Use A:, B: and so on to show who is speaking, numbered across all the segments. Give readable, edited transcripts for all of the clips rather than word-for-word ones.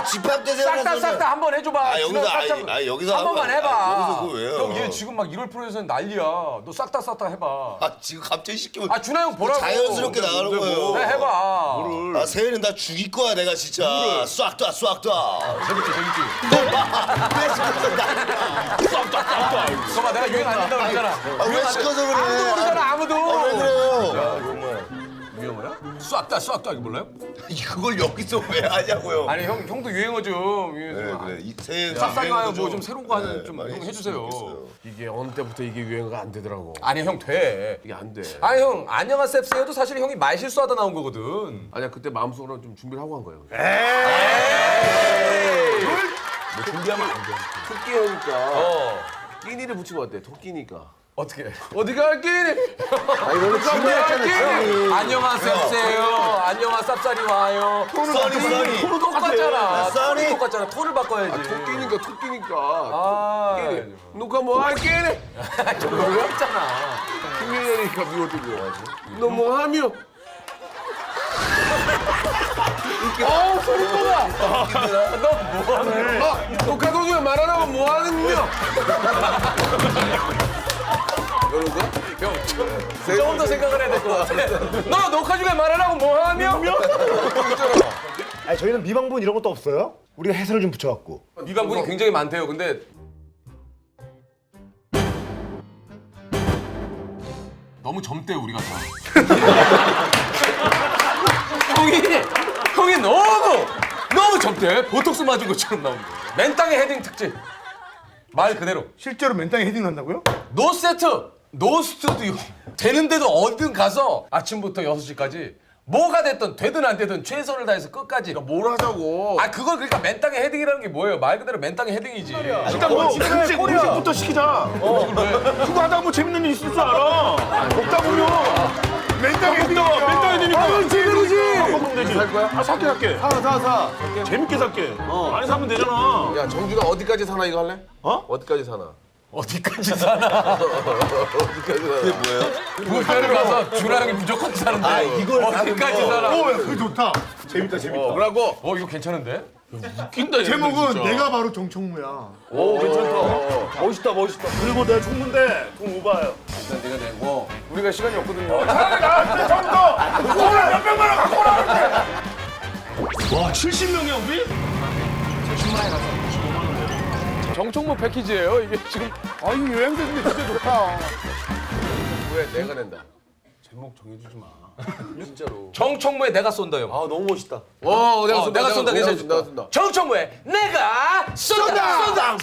A: 집합대세요.
B: 싹 다 한번 해줘봐.
A: 아 여기서
B: 한 번만 해봐.
A: 여기서 그거 왜요?
B: 형 얘 지금 막 1월 프로에서는 난리야. 너 싹 다 해봐.
A: 아 지금 갑자기 시키면.
B: 아 준하 형 보라고.
A: 자연스럽게 나가는 거예요.
B: 네 해봐.
A: 아 세일은 다 죽일 거야 내가 진짜. 싹 다.
B: 재밌지. 봐봐 내가 유행 안 된다고 그랬잖아.
A: 왜 시켜서 그래?
B: 아무도 모르잖아 아무도.
A: 왜 그래요?
B: 야 이거 뭐야? 유행어야? 싹 다 이거 몰라요?
A: 그걸 여기서 왜 하냐고요?
B: 아니 형도 유행어 좀.
A: 그래. 이 새해
B: 싹싹이가요 뭐 좀 새로운 거 하는 좀
A: 많이
B: 형 해주세요.
A: 했으면
C: 이게 어느 때부터 이게 유행어가 안 되더라고.
B: 아니 형 돼.
C: 이게 안 돼.
B: 아니 형 안녕하세요 셉스에도 사실 형이 말 실수하다 나온 거거든.
C: 아니야 그때 마음속으로 좀 준비를 하고 한 거예요.
B: 뭐 준비하면 안 돼.
C: 토끼니까 끼니를 붙이면 어때? 토끼니까.
B: 어떻게? 어디가 끼니?
C: 아니 너는 준비했잖아.
B: 안녕하세요 셉스예요. 안녕하세요 쌉싸리 와요.
A: 써니.
B: 톤 똑같잖아.
A: 써니.
B: 톤이 똑같잖아. 톤을 바꿔야지.
C: 토끼니까.
B: 아,
C: 끼니. 누가 뭐 할 끼니?
B: 좀 어렵잖아.
C: 김민현이니까 미워도 미워야지. 너 뭐 하며?
B: 소리 뻔하. 너 뭐하는?
C: 녹화 도중에 말 안 하고 뭐 하느냐? 이러는 거야?
B: 조금 더 생각을 해야 될 것 같아. 너 녹화 중에 말 안 하고 뭐 하며?
D: 아니 저희는 미방분 이런 것도 없어요? 우리가 해설을 좀 붙여갖고.
B: 미방분이 굉장히 많대요. 근데 너무 젊대 우리가 다. 형이 너무 젊대. 보톡스 맞은 것처럼 나온대. 맨땅에 헤딩 특집. 말 그대로.
D: 실제로 맨땅에 헤딩 난다고요?
B: 노 세트, 노 스튜디오. 되는데도 어딘 가서 아침부터 6시까지 뭐가 됐든 되든 안 되든 최선을 다해서 끝까지.
C: 뭘 하자고.
B: 아 그걸 그러니까 맨땅에 헤딩이라는 게 뭐예요? 말 그대로 맨땅에 헤딩이지.
D: 일단 뭐 음식부터 시키자. 그거 하다 뭐 재밌는 일 있을 줄 알아. 먹다 보면 맨땅에 헤딩이야. 맨땅에 헤딩이니까. 아 제대로지. 먹으면 되지. 살 거야? 아 살게. 사. 재밌게 살게. 많이 사면 되잖아.
C: 야 정준아 어디까지 사나 이거 할래?
D: 어?
C: 어디까지 사나?
B: 어디까지 사나?
C: 어디까지 사나?
A: 그게 뭐예요?
B: 부페를 가서 준하 형이 무조건 사는데. 아
A: 이걸
B: 어디까지 사나?
D: 그거 좋다. 재밌다.
C: 그러고
B: 이거 괜찮은데?
C: 웃긴다.
E: 제목은 내가 바로 정총무야.
C: 오 괜찮다. 멋있다.
D: 그리고 내가 총무인데 돈 오바예요.
C: 일단 내가 내고 우리가 시간이 없거든요.
D: 나한테 처음부터 코라 몇 백만 원 갖고 오라. 와 70명이야 우리?
C: 정총무 패키지예요 이게 지금.
E: 아 이거 여행사인데 진짜 좋다.
C: 왜 내가 낸다. 제목 정해주지 마. 진짜로.
B: 정청무에 내가 쏜다 형.
C: 아 너무 멋있다. 와 내가 쏜다.
B: 내가 쏜다 괜찮아.
C: 내가 쏜다.
B: 정청무에 내가 쏜다.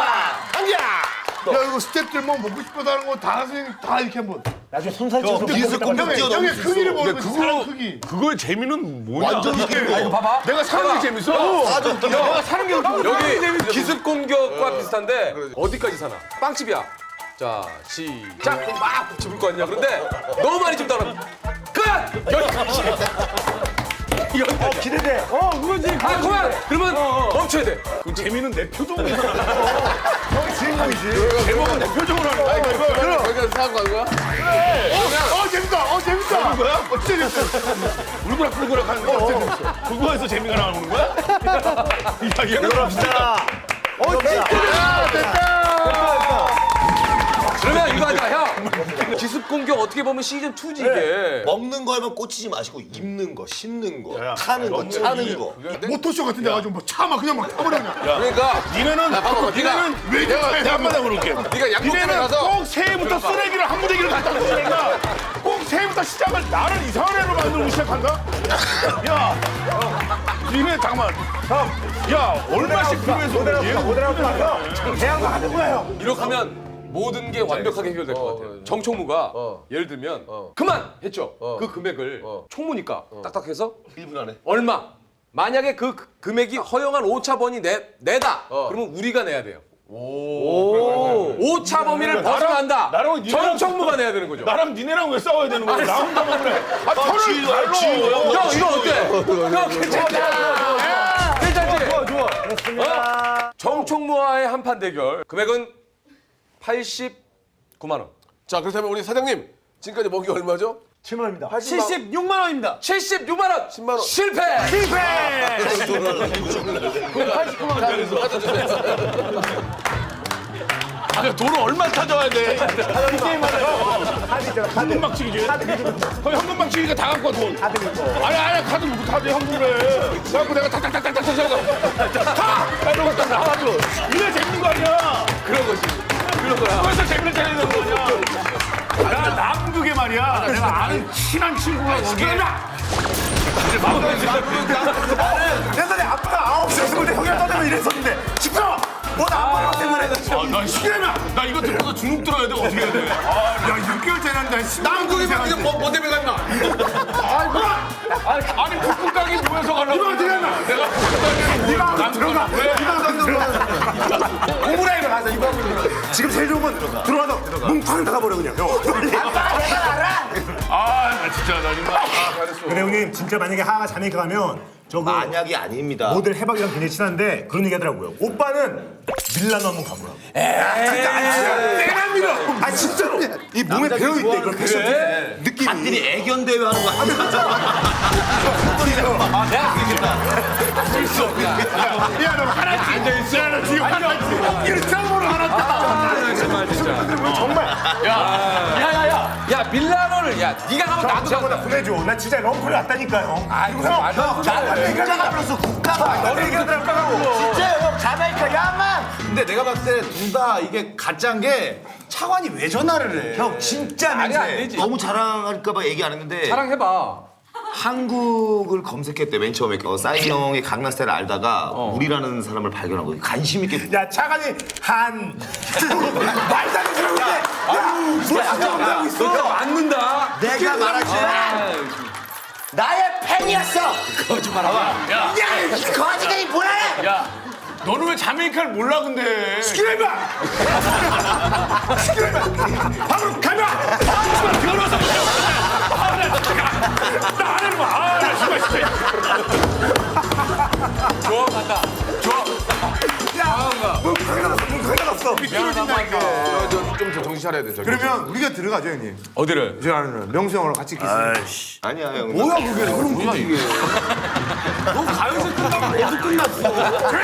E: 야 이거 스태프들 뭐 먹고 싶어서 하는 거 다 이렇게 한번.
D: 나중에 손살쳐서
A: 기술 컴퓨터
E: 형의
A: 뛰어넘을 수
E: 크기를
A: 있어.
E: 보는 거지. 사람 크기.
D: 그거의 재미는 뭐냐?
A: 완전 이게
B: 아 이거 봐봐.
D: 내가 사는 게 재밌어.
A: 사전
D: 내가 사는 게
B: 여기 기습 공격과 비슷한데 어디까지 사나? 빵집이야. 자 시작. 그럼 막 집을 거 아니야. 그런데 너무 많이 집다 그러면 끝. 여기까지.
D: 기대돼. 그거지.
B: 아 그만. 그러면 멈춰야 돼.
D: 그 재미는 내 표정으로 하는 거야. 형이 주인공이지. 제목은 내 표정으로 하는 거야. 이거.
C: 거기까지 사는 거 아니야?
E: 재밌다. 재밌다.
D: 거야? 진짜 재밌어. 울그락불그락 하는 거. 그거에서 재미가 나오는 거야? 야, 이거 합시다.
B: 그러면 이거 하자 형. 기습 공격 어떻게 보면 시즌 2지 이게.
A: 먹는 거 하면 꽂히지 마시고 입는 거, 씹는 거, 타는 거, 차는 거.
E: 모토쇼 같은데 가지고 뭐 차 막 그냥 막 타버려 그냥.
C: 그러니까
D: 니네는
C: 봐봐,
E: 왜
D: 내가
E: 이렇게
D: 한마디 물을게.
C: 네가 양복집에
D: 니네는
C: 가서
D: 꼭 새해부터 쓰레기를 한 무대기를 갖다 놓으니까 꼭 새해부터 시작을 나를 이상한 애로 만들고 시작한다? 야, 니네 잠깐만. 야, 얼마씩 필요해서
B: 이렇게 하면 모든 게 완벽하게 해결될 것 같아요. 정총무가 예를 들면 그만 했죠. 그 금액을 총무니까 딱딱해서
A: 1분 안에.
B: 얼마? 만약에 그 금액이 허용한 오차범위 내다. 그러면 우리가 내야 돼요. 오차 범위를 벗어난다.
D: 나랑 니네랑-
B: 정총무가 내야 되는 거죠.
D: 나랑 니네랑 왜 싸워야 되는 거야? 나 혼자만 그래. 아, 털을 발로.
B: 형 이거 어때? 형 괜찮다. 괜찮지? 좋아. 정총무와의 한판 대결. 금액은 89만 원.
C: 자 그렇다면 우리 사장님 지금까지 먹이 얼마죠?
D: 7만 원입니다. 76만 원입니다.
B: 76만 원.
C: 10만 원.
B: 실패.
D: 돈을 얼마 찾아와야 돼? 현금 박치기지. 거의 현금 박치기가 다 갖고 와 돈. 아니 카드 못 카드 현금을. 그래갖고 내가 탁탁탁탁탁 쳐서 다 이러고 딱 나와줘. 이래 재밌는 거 아니야?
B: 그런 거지. 그런 거야.
D: 그래서 재밌는 재밌는 거 아니야? 나 남극에 말이야. 내가 아는 친한 친구가 거기야.
E: 옛날에 아빠가 9시에 있을 때 형이랑 떠들면 이랬었는데 시끄러워! 뭐나 아빠랑 때문에
D: 나 시키려면 나 이거 듣고서 중국 들어야 돼. 어떻게 해야 돼?
E: 야 6개월 전에
D: 남극에 말이야. 뭐 때문에 갔나? 아니 북극 가게 모여서 가려고.
E: 이거 어떻게 하나?
D: 내가
E: 이방 들어가!
D: 왜?
E: 이방 들어가! 오므라이로 가서 이방 들어가. 지금 제일 좋은 건 들어가서 뭉팡 닫아버려 그냥 형.
D: 나 진짜 나 정말 잘했어.
F: 근데 형님 진짜 만약에 하하가 자메이카 가면 저거
A: 만약이 아닙니다.
F: 모델 해박이랑 굉장히 친한데 그런 얘기 하더라고요. 오빠는 밀라노 한번 가보라고.
E: 내가 밀어! 아 진짜로! 이 몸에 배어있대 그런 패션 느낌이.
A: 단들이 애견 대회 하는 거 아니야?
E: 야너 하나씩 앉아있어. 야너 지금 하나씩 일상으로 하나
B: 정말 진짜. 야 밀라노를 야 네가 가면 나도
F: 저보다
B: 가.
F: 보내줘. 나 진짜 럼프를 왔다니까요.
B: 아이고 말도 안 돼.
E: 국가가 플러스 국가가 너네 얘기하더라고.
A: 진짜요 형 자메이카 야만.
G: 근데 내가 봤을 때 둘 다 이게 가짜인 게 차관이 왜 전화를 해?
A: 형 진짜
B: 아니 안
A: 민폐.
B: 되지.
A: 너무 자랑할까봐 얘기 안 했는데
B: 자랑해봐.
A: 한국을 검색했대 맨 처음에 싸이 형의 강남스타일을 알다가 우리라는 사람을 발견한 거예요. 관심 있게.
F: 야 차관이 한
E: 말도 안 되는 소리 야
B: 너 맞는다.
A: 내가 말하지. 나의 팬이었어.
B: 거짓말하고.
E: 야
A: 거지들이 뭐라 해?
D: 야 너는 왜 자메이카를 몰라 근데?
E: 시키라
D: 바로 가면. 들어서 나안 하는 거야. 나 정말 진짜.
B: 좋아 간다. 좋아.
C: 좀 정신 차려야 돼. 저기.
E: 그러면 우리가 들어가죠 형님.
B: 어디를?
E: 제가 아는 명수 형이랑 같이 키스.
A: 아니야 형.
E: 뭐야 그게 그럼
B: 뭐야 이게?
D: 너 가요제 끝나고 어디 끝났어?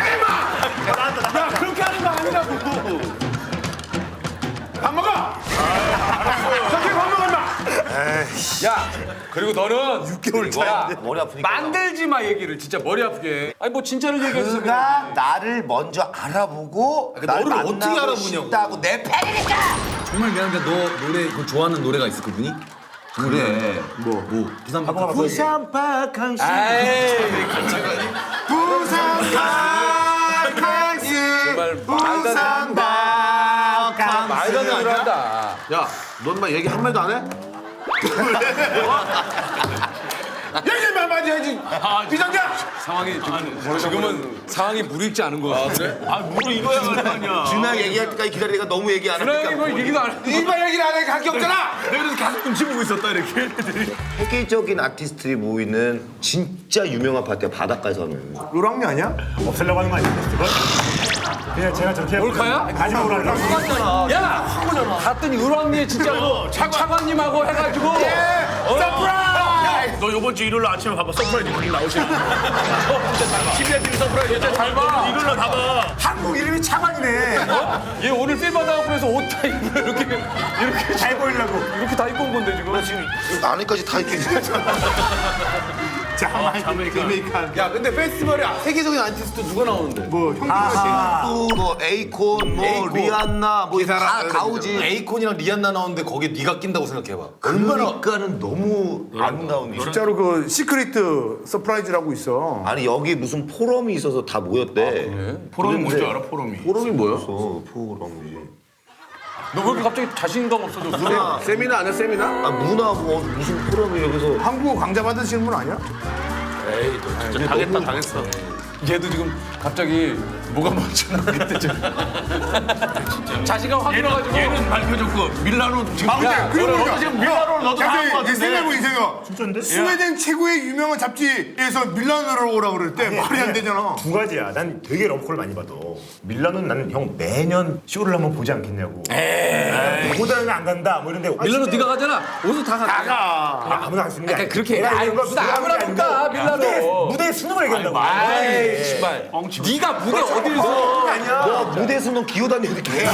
D: 야 그렇게 하는 거 아니라고. 밥 먹어. 저기 밥 먹어 임마.
B: 야 그리고 너는
E: 6개월
B: 야,
E: 차인데.
A: 머리 아프니까.
B: 만들지 마 얘기를 진짜 머리 아프게. 아니 뭐 진짜를 얘기해서
G: 그가 나를 먼저 알아보고 날 너를 어떻게 만나고 알아보냐고. 싶다고 내 팬이니까.
H: 정말 미안한데 너 노래 그 좋아하는 노래가 있어 그분이? 그래 뭐 부산 바카
G: 부산 박항시.
B: 에이
E: 부산 강스
B: 정말 말도 말도 안 되는 한다.
C: 야, 넌 막 얘기 한마디도 안 해?
E: 얘기만 많이 해야지. 비상장.
B: 상황이 지금은 상황이 무르익지 않은 거 같아.
D: 뭐 이거야 아니야.
A: 준하 얘기할 때까지 기다리다가 너무 얘기 안
B: 준하이
A: 하니까.
B: 뭐 얘기도 안 해.
E: 일반 얘기를 안 하니까 할게 없잖아.
D: 내가 그래서 계속 눈치 보고 있었다 이렇게.
A: 세계적인 아티스트들이 모이는 진짜 유명한 파티야 바닷가에서 하는.
E: 노랑미 아니야?
F: 없애려고 하는 거 아니에요? 그걸? 그냥 제가 저렇게
B: 몰카야?
F: 가지 마오라고.
B: 야 갔더니 을왕리에 진짜로 차관님하고 해가지고
D: 너 이번 주 일요일 아침에 봐봐 서프라이즈 그림 나오시는 거. TV에 TV 서프라이즈 진짜 잘 봐. 일요일로 다 봐.
E: 한국 이름이 차관이네.
B: 얘 오늘 필 받아갖고 해서 옷 다 입고 이렇게
F: 잘 보이려고.
B: 이렇게 다 입고 온 건데 지금.
A: 안에까지 다 이렇게.
E: 자메이칸.
C: 야, 근데 페스티벌에 세계적인 아티스트 누가 나오는데?
E: 뭐 형님과
A: 뭐 에이콘, 뭐 리안나, 뭐 다 가오지.
G: 에이콘이랑 리안나 나오는데 거기에 네가 낀다고 생각해봐.
A: 그러니까는 너무 아름다운 일.
E: 진짜로 그 시크릿 서프라이즈라고 있어.
A: 아니 여기 무슨 포럼이 있어서 다 모였대.
D: 포럼이 뭔지 알아 포럼이?
C: 포럼이 뭐야?
A: 포럼이.
B: 너 왜 이렇게 갑자기 자신감 없어졌어?
C: 세미나 아니야, 세미나?
A: 아 문화 뭐 무슨 포럼이 여기서.
E: 한국어 강좌 받으시는 분 아니야?
D: 당했다 당했어.
B: 얘도 지금 갑자기 뭐가 멈추나 그때 좀. 자신감 확 들어가지고.
D: 얘는 밝혀졌고 밀라노 지금
E: 야, 그리고
D: 너도 지금 밀라노를 너도 나온 거 같은데.
E: 생각해보니 생각.
F: 진짜인데?
E: 스웨덴 최고의 유명한 잡지에서 밀라노로 오라 그럴 때 말이 안 되잖아.
F: 두 가지야. 난 되게 럼콜 많이 받아. 밀라노는 나는 형 매년 쇼를 한번 보지 않겠냐고. 보고다는 안 간다. 뭐 이런데
B: 밀라노 네가 가잖아. 어디서 다 가.
F: 그냥 아무나 갈 수 있는 게
B: 그러니까
F: 아니야.
B: 그렇게
F: 내가
B: 아이,
F: 이런 거
B: 무슨 아무나
F: 아니고
B: 볼까, 밀라노.
F: 무대에 수능을 얘기한다고.
B: 아이 씨발. 네가 무대 어디서?
A: 너 무대에서 너 기어다니는데 계속.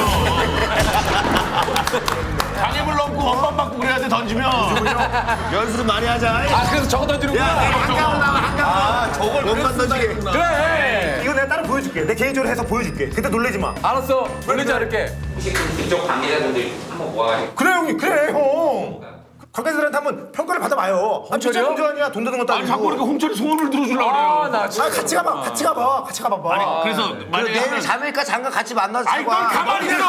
D: 장애물 넘고 원반 받고 그래야 돼 던지면.
A: 연습 많이 하자.
B: 아 그래서 저거 던지는구나.
A: 아, 저걸 원반 던지게.
B: 그래.
F: 이거 내가 따로 보여줄게. 내 개인적으로 해서 보여줄게. 그때 놀래지 마.
B: 알았어. 놀리지 않을게.
I: 혹시 그쪽 관계자분들 한번 모아가지고
F: 그래 형님 그래 형. 관계자들한테 한번 평가를 받아봐요. 진짜
B: 홍철이요?
F: 운전이야 돈 드는 것도
D: 아니
F: 아니고.
D: 자꾸 이렇게 홍철이 소원을 들어주려고 그래요.
B: 아나 진짜.
F: 같이 가봐. 같이 가봐. 같이 가봐봐.
D: 그래서 만약에
A: 내일 자메이카 잠깐 같이 만나서
D: 아니 넌 가만히 있어.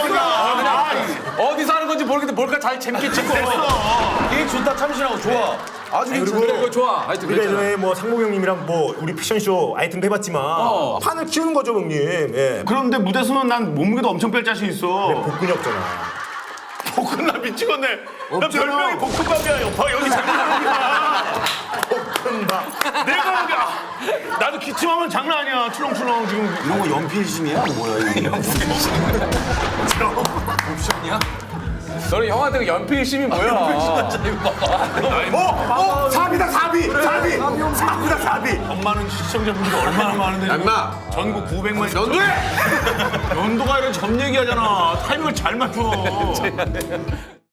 B: 어디서 하는 건지 모르겠는데 뭘까 잘 재밌게 찍고.
H: 이게 좋다 참신하고 좋아. 아주 괜찮네.
B: 그래 이거 좋아. 하여튼
F: 우리가
B: 그랬잖아.
F: 예전에 뭐 상목 형님이랑 뭐 우리 패션쇼 아이템도 해봤지만 판을 키우는 거죠 형님. 예.
D: 그런데 무대에서는 난 몸무게도 엄청 뺄 자신 있어.
F: 복근이 없잖아.
D: 볶음밥 미치겠네. 나 별명이 볶음밥이야. 여파 여기 장난하는구나. 볶음밥. 내가 여기 나도 기침하면 장난 아니야. 출렁출렁 지금.
A: 이런 거 연필심이야? 뭐야 이게?
B: 너는 형한테 그 연필심이 뭐야?
F: 사비다 사비. 사비다 사비.
D: 엄마는 시청자분들이 얼마나 많은데.
B: 엄마.
D: 전국 900만. 연도에. 연도가 이런 점 얘기하잖아. 타이밍을 잘 맞춰.